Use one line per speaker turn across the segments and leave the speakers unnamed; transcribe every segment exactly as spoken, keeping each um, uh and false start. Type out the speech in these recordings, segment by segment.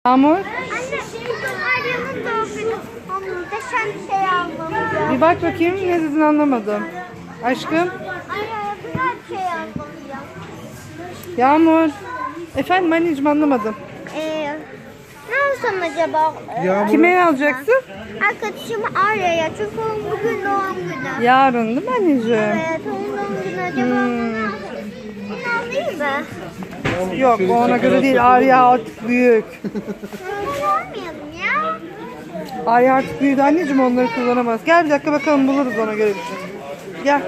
Yağmur,
Anne, Arya'nın doğum günü. O muhteşem bir şey almalıyım.
bir bak bakayım ne dedin anlamadım. Aşkım,
Arya'ya güzel bir şey almalıyım.
Yağmur. Efendim anneciğim anlamadım.
Ee, ne alsam acaba?
Yağmur.
Kime alacaksın?
Arkadaşım Arya'ya, çünkü onun bugün doğum günü.
Yarın değil mi anneciğim?
Evet, onun doğum günü. Acaba
Hmm.
bunu alayım mı?
Yok o ona göre değil. Arya artık büyük.
Bunu almayalım ya.
Arya artık büyüdü anneciğim, onları kullanamaz. Gel bir dakika bakalım, buluruz ona göre bir şey. Gel.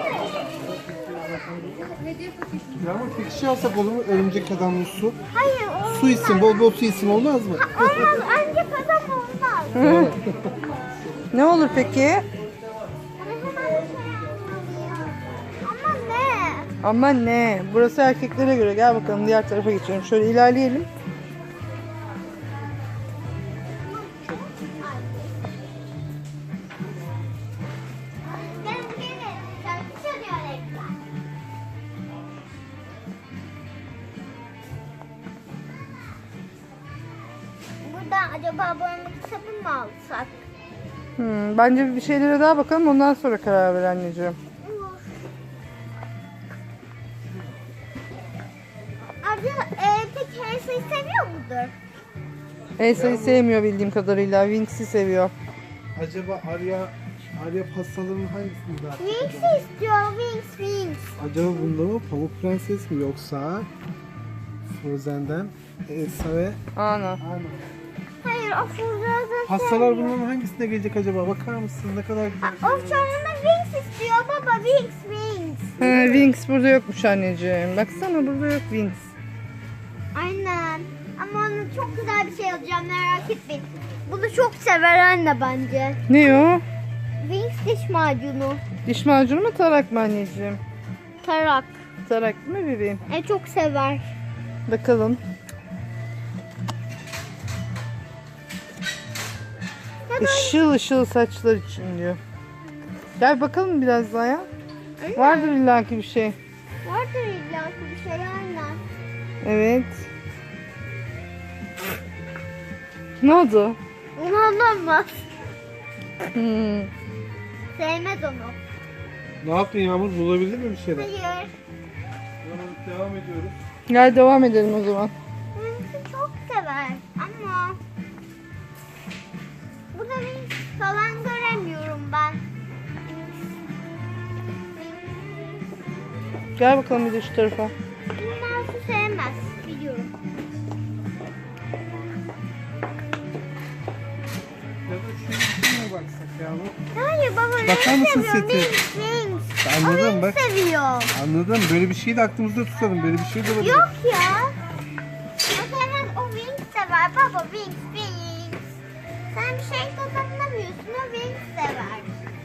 Yağmur peki şey alsak olur mu? Örümcek adamlı su.
Hayır, olmaz.
Su içsin, bol bol su içsin olmaz mı?
Olmaz, ancak adam olmaz.
Ne olur peki?
Ama ne?
Ama ne? Burası erkeklere göre. Gel bakalım diğer tarafa geçelim. Şöyle ilerleyelim.
Gelin gelin. Şarkı çalıyor reklam. Buradan acaba boyama kitabı mı alsak?
Hmm, bence bir şeylere daha bakalım, ondan sonra karar ver anneciğim.
Olur. Abi e, peki her şeyi seviyor mudur?
Elsa'yı sevmiyor bildiğim kadarıyla. Wings'i seviyor.
Acaba Arya Arya pastalarının hangisini daha çok
Wings
acaba?
istiyor. Wings, Wings.
Acaba bunda mı Pamuk Prenses mi yoksa Frozen'den Elsa ve
Ana.
Anna?
Hayır, o fırladı.
Pastalar bunların hangisine gelecek acaba? Bakar mısın? Ne kadar güzel.
O sonunda Wings istiyor baba. Wings, Wings.
He, Wings burada yokmuş anneciğim. Baksana burada yok Wings.
Aynen. Ama ona çok güzel bir şey alacağım, merak etmeyin. Bunu çok sever anne bence.
Ne o?
Wings diş macunu.
Diş macunu mu, tarak mı anneciğim?
Tarak.
Tarak mı bebeğim?
E çok sever.
Bakalım. Işıl ışıl saçlar için diyor. Gel bakalım biraz daha ya. Vardır illaki bir şey.
Vardır illa ki bir şey aynen.
Evet. Ne oldu?
Onu anlamaz.
Hmm.
Sevmez onu.
Ne yaptın Yağmur? Bulabildin mi bir şeyler?
Hayır.
Yağmur devam ediyoruz.
Gel devam edelim o zaman.
Wings'i çok sever ama burada Wings falan göremiyorum ben.
Gel bakalım bir de şu tarafa.
Mouse'u sevmez biliyorum.
Ya da şu içine baksak Yağmur.
Hayır baba,
Bakar
Wings
mısın
seviyor.
seti?
Wings, Wings.
Anladım
O
bak.
Wings seviyor.
Anladım. Böyle bir şeyi de aklımızda tutalım. Böyle bir şey de olabilir.
Yok ya. O sevmez, o Wings sever baba, Wings, Wings. Sen bir şey kazanamıyorsun, o Wings sever.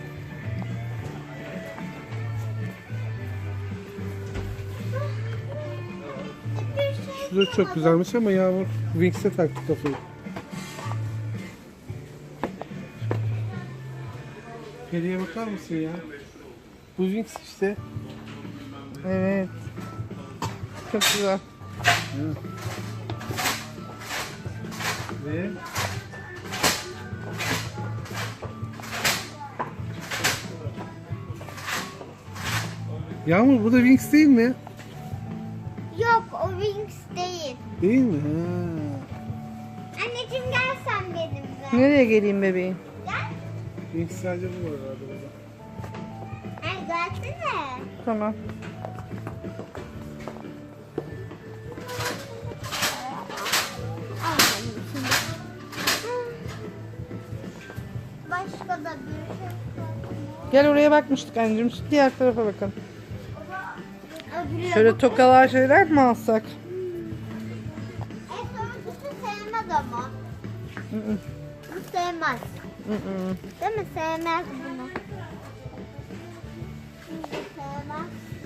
Bir şey
Şurada çok güzelmiş ama Yağmur Wings'e taktı kafayı. Periye bakar mısın ya? Bu Wings işte.
Evet. Çok güzel.
Ve Yağmur bu da Wings değil mi?
Yok, o Wings değil.
Değil mi? Ha.
Anneciğim gel sen benimle.
Nereye geleyim bebeğim?
Gel.
Wings sadece bu var herhalde burada.
Ay gelsene.
Tamam.
Al benim şimdi. Başka da bir şey yok.
Gel oraya bakmıştık anneciğim. Şu diğer tarafa bakalım.
Öbürüne
Şöyle
bak.
tokalar şeyler mi alsak?
En sonuncusu sevmez ama.
Hı hı.
Bu sevmez.
Hı hı.
Değil mi? Sevmez bunu. Bu sevmez.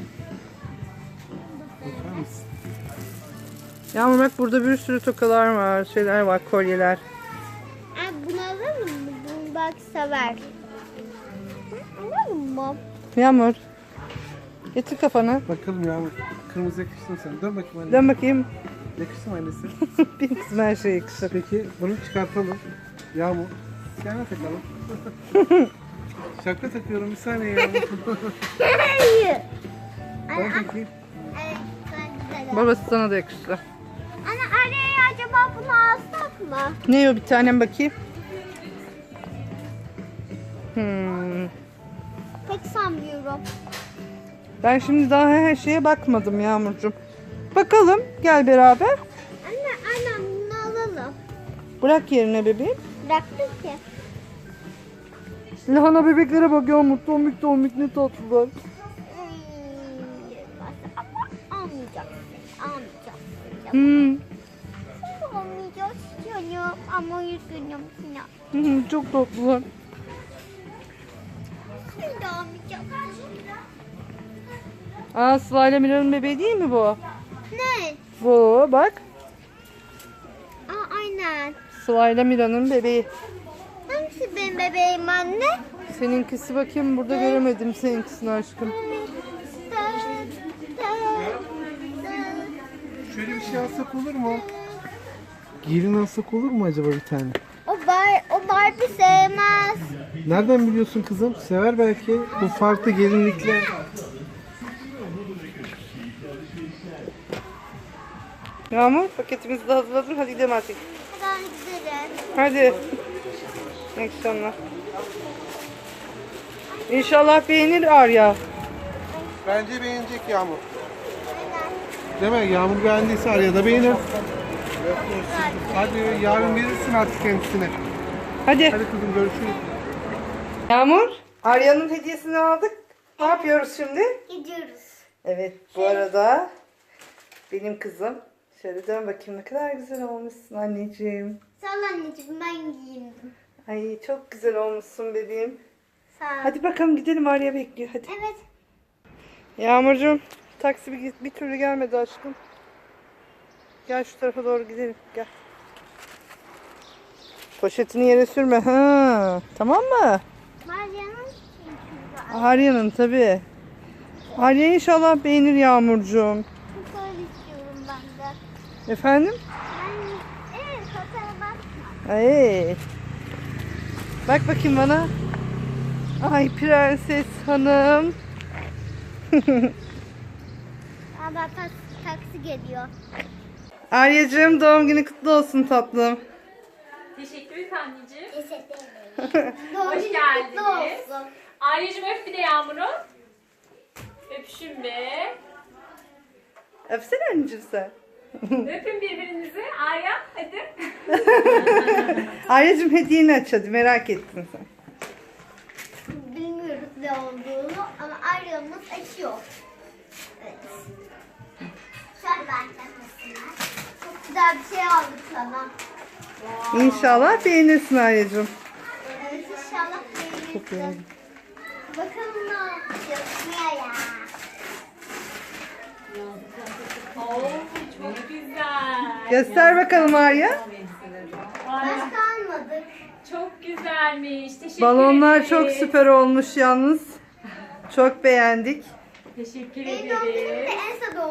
Bu sevmez.
Bakar mısın?
Yağmur bak burada bir sürü tokalar var. Şeyler var, kolyeler.
Ay, bunu alalım mı? Bunu belki sever. Hı, alalım mı?
Yağmur. Getir kafanı.
Bakalım Yağmur. Kırmızı yakıştın sen. Dön bakayım anne.
Dön bakayım.
Yakıştı mı annesi?
Benim kızım her şeye yakışır.
Peki bunu çıkartalım. Yağmur. Yana takalım. Şapka takıyorum bir saniye Yağmur.
Hayır.
Ben takayım.
Evet, ben güzel.
Babası sana da yakışır.
Anne araya acaba bunu alsak mı?
Ne o bir tanem bakayım. Hmm.
Pek sanmıyorum.
Ben şimdi daha her şeye bakmadım Yağmurcuğum. Bakalım gel beraber.
Anne anne bunu alalım.
Bırak yerine bebeğim.
Bıraktık ki.
Lahana bebeklere bak Yağmur. Tomik tomik ne tatlılar.
Ama almayacaksın. Almayacaksın.
Hmm.
Şimdi almayacağız canım. Ama üzgünüm Sinan.
Hı hı, çok tatlılar.
Şimdi almayacağım.
Aa Sıla ile Mira'nın bebeği değil mi bu?
Ne?
Bu bak.
Aa aynen.
Sıla ile Mira'nın bebeği.
Hangisi benim bebeğim anne?
Seninkisi bakayım burada göremedim seninkisini aşkım.
Şöyle bir şey alsak olur mu? Gelin alsak olur mu acaba bir tane?
O bar, o Barbie sevmez.
Nereden biliyorsun kızım? Sever belki. Bu farklı gelinlikler.
Yağmur paketimizi de hazırladım. Hadi gidelim artık.
Ben giderim.
Hadi. İyi akşamlar. İnşallah beğenir Arya.
Bence beğenecek Yağmur. Değil mi? Yağmur beğendiyse Arya da beğenir. Hadi yarın verirsin artık kendisine.
Hadi.
Hadi kızım görüşürüz.
Yağmur, Arya'nın hediyesini aldık. Ne yapıyoruz şimdi?
Gidiyoruz.
Evet, bu arada benim kızım. Şöyle dön bakayım ne kadar güzel olmuşsun anneciğim.
Sağ ol anneciğim ben giyindim.
Ay çok güzel olmuşsun bebeğim.
Sağ ol.
Hadi bakalım gidelim Arya bekliyor hadi.
Evet.
Yağmurcuğum taksi bir, bir türlü gelmedi aşkım. Gel şu tarafa doğru gidelim gel. Poşetini yere sürme ha. Tamam mı?
Meryem'in çünkü.
Arya'nın tabii. Arya inşallah beğenir Yağmurcuğum.
Çok öyle istiyorum ben de.
Efendim?
Ben evet fotoğrafa bakma.
Ay. Bak bakayım bana. Ay prenses hanım.
Aa bak taksi, taksi geliyor.
Arya'cığım doğum günü kutlu olsun tatlım.
Teşekkür ederim anneciğim.
Teşekkür ederim.
Hoş geldiniz.
Kutlu olsun.
Arya'cığım öp bir de Yağmur'u. Öpüşün be.
Öpsene anneciğim sen.
Öpün birbirinizi. Arya hadi.
Arya'cığım hediyeni aç hadi merak ettin sen.
Bilmiyoruz ne olduğunu ama Arya'mız açıyor. Evet. Şöyle benden mesela. Çok güzel bir şey aldık sana.
İnşallah beğenirsin Arya'cığım.
Evet inşallah
Çok
beğenirsin.
beğendim.
Bakalım ne yapacağız ya.
Oo çok güzel.
Göster bakalım Arya.
Arya,
Başka almadık.
çok güzelmiş. Teşekkür
Balonlar
ederiz.
çok süper olmuş yalnız. Çok beğendik.
Teşekkür
Benim doğum günüm de
ederiz.
Elsa doğum